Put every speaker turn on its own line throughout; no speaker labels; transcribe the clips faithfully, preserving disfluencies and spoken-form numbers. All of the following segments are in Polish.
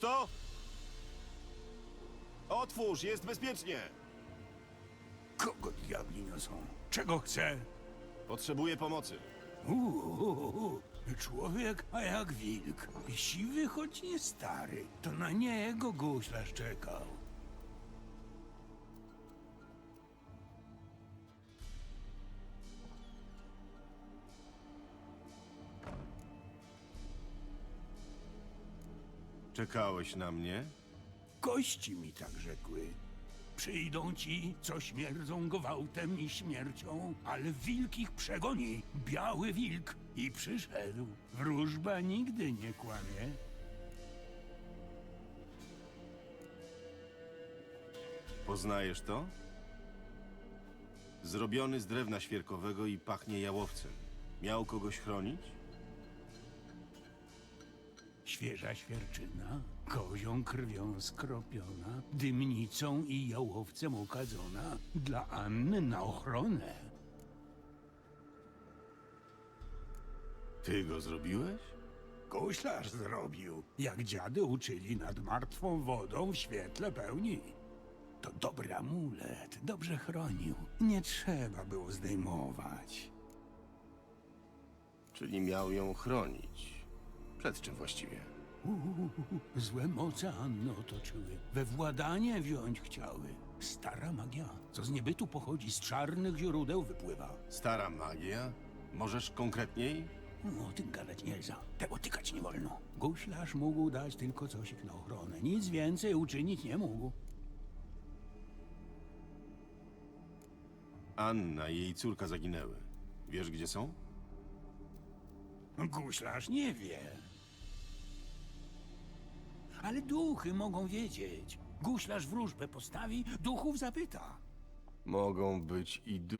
to? Otwórz, jest bezpiecznie!
Kogo diabli niosą? Czego chce?
Potrzebuję pomocy.
Uuu, człowiek, a jak wilk. Siwy, choć nie stary. To na niego guślarz czekał.
Czekałeś na mnie?
Kości mi tak rzekły. Przyjdą ci, co śmierdzą gwałtem i śmiercią, ale wilk ich przegoni. Biały wilk. I przyszedł. Wróżba nigdy nie kłamie.
Poznajesz to? Zrobiony z drewna świerkowego i pachnie jałowcem. Miał kogoś chronić?
Świeża świerczyna, kozią krwią skropiona, dymnicą i jałowcem okadzona, dla Anny na ochronę.
Ty go zrobiłeś?
Guślarz zrobił, jak dziady uczyli nad martwą wodą w świetle pełni. To dobry amulet, dobrze chronił. Nie trzeba było zdejmować.
Czyli miał ją chronić. Przed czym właściwie?
Uuu, złe moce Anny otoczyły. We władanie wziąć chciały. Stara magia, co z niebytu pochodzi, z czarnych źródeł wypływa.
Stara magia? Możesz konkretniej?
O tym gadać nie za. Tego tykać nie wolno. Guślarz mógł dać tylko cosik na ochronę. Nic więcej uczynić nie mógł.
Anna i jej córka zaginęły. Wiesz, gdzie są?
Guślarz nie wie. Ale duchy mogą wiedzieć. Guślarz wróżbę postawi, duchów zapyta.
Mogą być i du...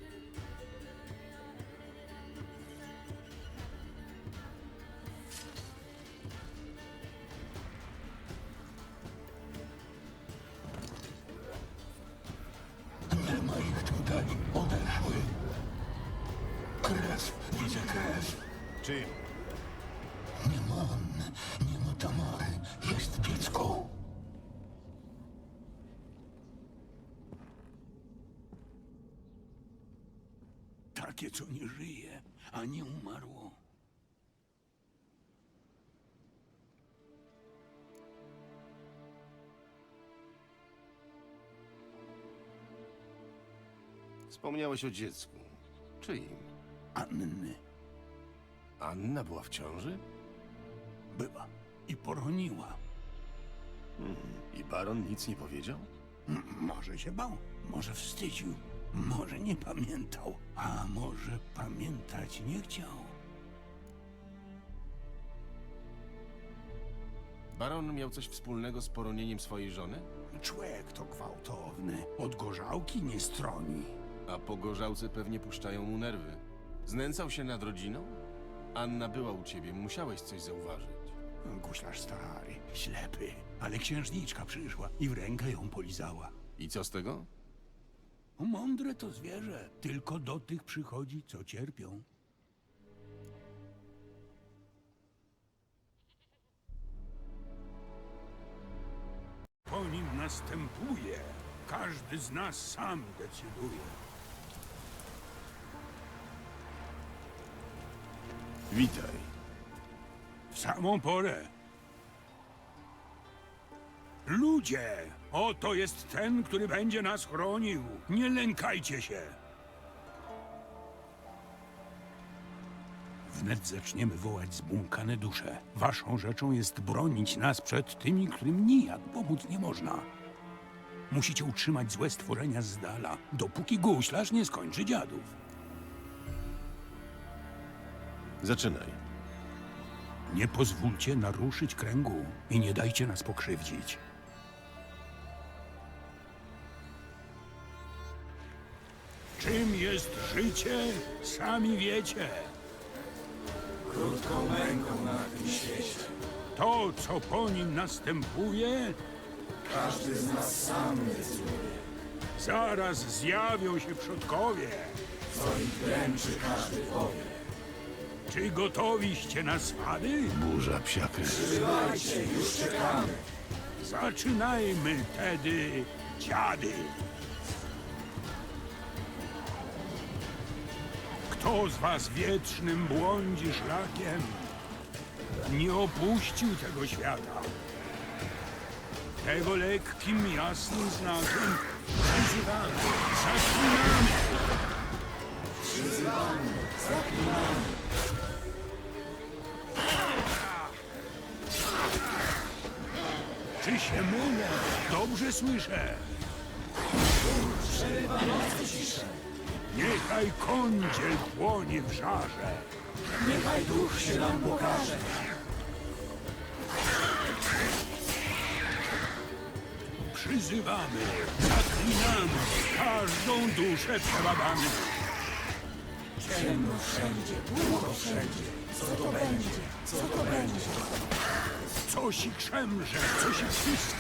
Nie ma ich tutaj. Odeszły. Krew. Widzę krew.
Czyją?
Nie ma Anny. Nie ma Tamary. Jest dziecko. Takie, co nie żyje, a nie umarło.
Wspomniałeś o dziecku. Czyim?
Anny
Anna była w ciąży?
była i poroniła.
I baron nic nie powiedział?
M- Może się bał, może wstydził, może nie pamiętał, a może pamiętać nie chciał.
Baron miał coś wspólnego z poronieniem swojej żony?
Człowiek to gwałtowny, od gorzałki nie stroni.
A po gorzałce pewnie puszczają mu nerwy. Znęcał się nad rodziną? Anna była u ciebie, musiałeś coś zauważyć.
Guślarz stary, ślepy, ale księżniczka przyszła i w rękę ją polizała.
I co z tego?
Mądre to zwierzę, tylko do tych przychodzi, co cierpią. Po nim następuje. Każdy z nas sam decyduje.
Witaj.
W samą porę. Ludzie, oto jest ten, który będzie nas chronił. Nie lękajcie się. Wnet zaczniemy wołać zbłąkane dusze. Waszą rzeczą jest bronić nas przed tymi, którym nijak pomóc nie można. Musicie utrzymać złe stworzenia z dala, dopóki guślarz nie skończy dziadów.
Zaczynaj.
Nie pozwólcie naruszyć kręgu i nie dajcie nas pokrzywdzić. Czym jest życie, sami wiecie.
Krótką męką na tym świecie.
To, co po nim następuje,
Każdy z nas sam decyduje,
zaraz zjawią się przodkowie.
co ich dręczy, każdy powie.
Czy gotowiście na swady?
Burza psiakry.
Przybywajcie, już czekamy.
Zaczynajmy tedy, dziady. Kto z was wiecznym błądzi szlakiem, nie opuścił tego świata. Tego lekkim, jasnym znakiem przyzywamy, zaklinamy.
Przyzywamy, zaklinamy.
Czy się mylę? Dobrze słyszę.
Przerywa nocy ciszę.
Niechaj kądziel płonie w żarze.
Niechaj duch się nam pokaże.
Przyzywamy, zaklinamy, każdą duszę przebadamy.
Ciemno wszędzie, długo wszędzie. Co to będzie? Co to będzie?
Coś i krzemrze, coś i wszystko.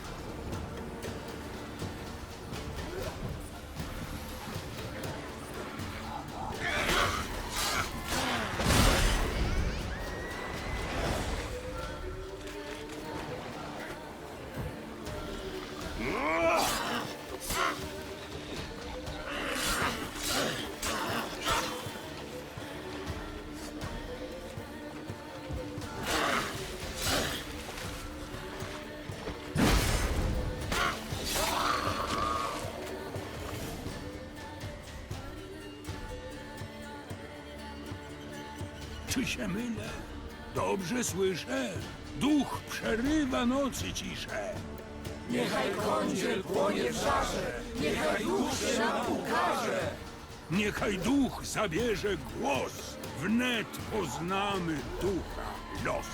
Czy się mylę? Dobrze słyszę. Duch przerywa nocy ciszę.
Niechaj kądziel płonie w żarze. Niechaj duch się nam ukaże.
Niechaj duch zabierze głos. Wnet poznamy ducha los.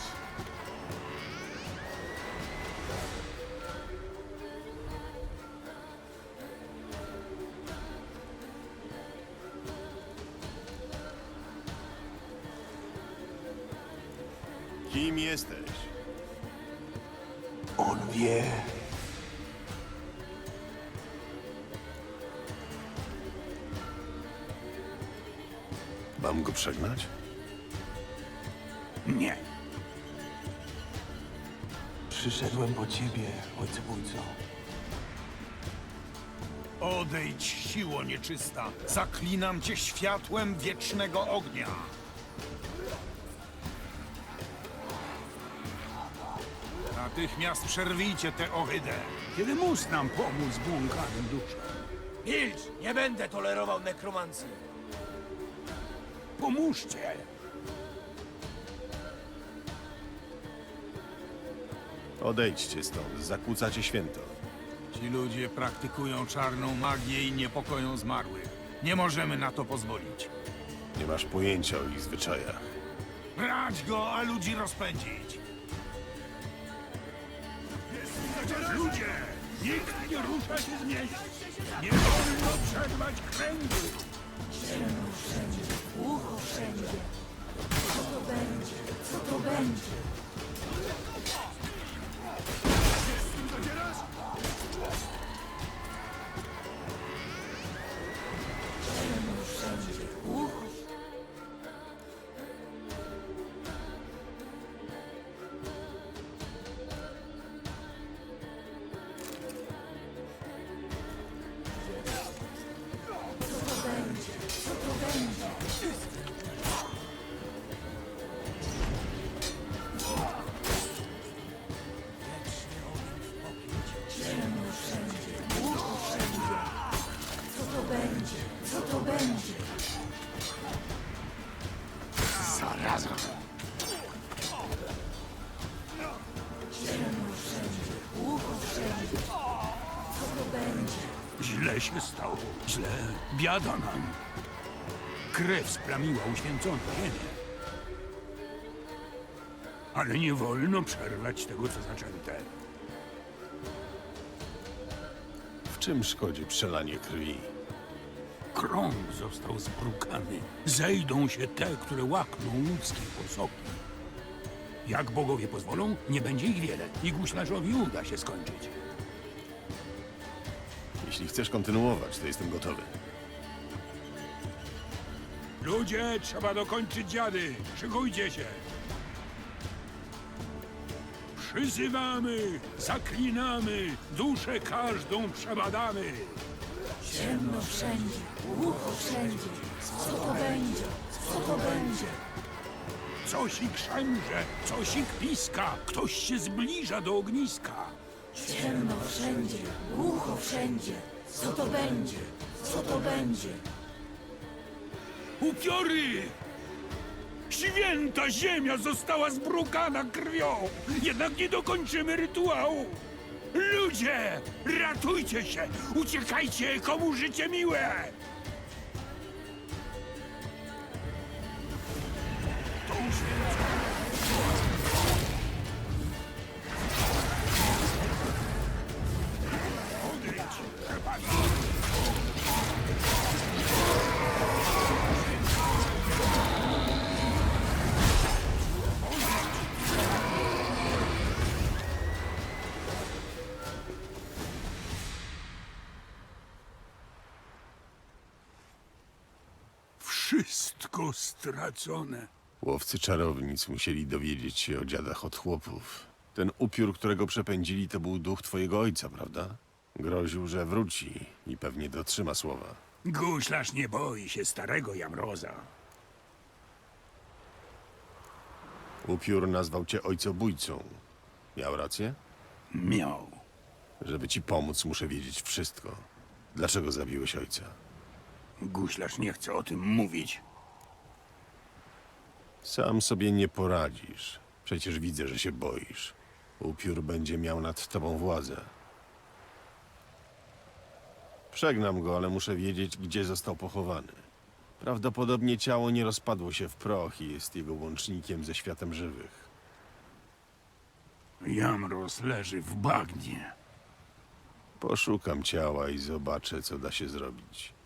Kim jesteś?
On wie.
Mam go przegnać?
Nie.
Przyszedłem po ciebie, ojcobójco.
Odejdź, siło nieczysta! Zaklinam cię światłem wiecznego ognia! Natychmiast przerwijcie tę ohydę!
Kiedy mus nam pomóc błąkanym duszom?
Milcz! Nie będę tolerował nekromancji!
Pomóżcie!
Odejdźcie stąd, zakłócacie święto.
Ci ludzie praktykują czarną magię i niepokoją zmarłych. Nie możemy na to pozwolić.
Nie masz pojęcia o ich zwyczajach.
Brać go, a ludzi rozpędzić!
Ludzie! Nikt nie rusza się z miejsca! Nie wolno przerwać kręgu!
Ciemno wszędzie, głucho wszędzie. Co to będzie? Co to będzie? Ciemno wszędzie, głucho. Co to będzie? Co to będzie? Ciemno wszędzie, głucho wszędzie. Co to będzie? Co to będzie?
Zaraza!
Ciemno wszędzie, głucho wszędzie. Co to będzie?
Źle się stało. Źle. Biada nam. Krew splamiła uświęconą ziemię. Ale nie wolno przerwać tego, co zaczęte.
W czym szkodzi przelanie krwi?
Krąg został zbrukany. Zejdą się te, które łakną ludzkie posoki. Jak bogowie pozwolą, nie będzie ich wiele i guślarzowi uda się skończyć.
Jeśli chcesz kontynuować, to jestem gotowy.
Ludzie, trzeba dokończyć dziady. Szykujcie się. Przyzywamy, zaklinamy, duszę każdą przebadamy.
Ciemno wszędzie, głucho wszędzie. Co to będzie? Co to będzie?
Coś ich szemrze, coś ich piska, ktoś się zbliża do ogniska.
Ciemno wszędzie, głucho wszędzie. Co to będzie? Co to będzie?
Upiory! Święta ziemia została zbrukana krwią, jednak nie dokończymy rytuału. Ludzie, ratujcie się! Uciekajcie, komu życie miłe! To uświęcone. Odejdź, chłopaki! Wszystko stracone.
Łowcy czarownic musieli dowiedzieć się o dziadach od chłopów. Ten upiór, którego przepędzili, to był duch twojego ojca, prawda? Groził, że wróci i pewnie dotrzyma słowa.
Guślarz nie boi się starego Jamroza.
Upiór nazwał cię ojcobójcą. Miał rację?
Miał.
Żeby ci pomóc, muszę wiedzieć wszystko. Dlaczego zabiłeś ojca?
Guślarz nie chce o tym mówić.
Sam sobie nie poradzisz. Przecież widzę, że się boisz. Upiór będzie miał nad tobą władzę. Przegnam go, ale muszę wiedzieć, gdzie został pochowany. Prawdopodobnie ciało nie rozpadło się w proch i jest jego łącznikiem ze światem żywych.
Jamroz leży w bagnie.
Poszukam ciała i zobaczę, co da się zrobić.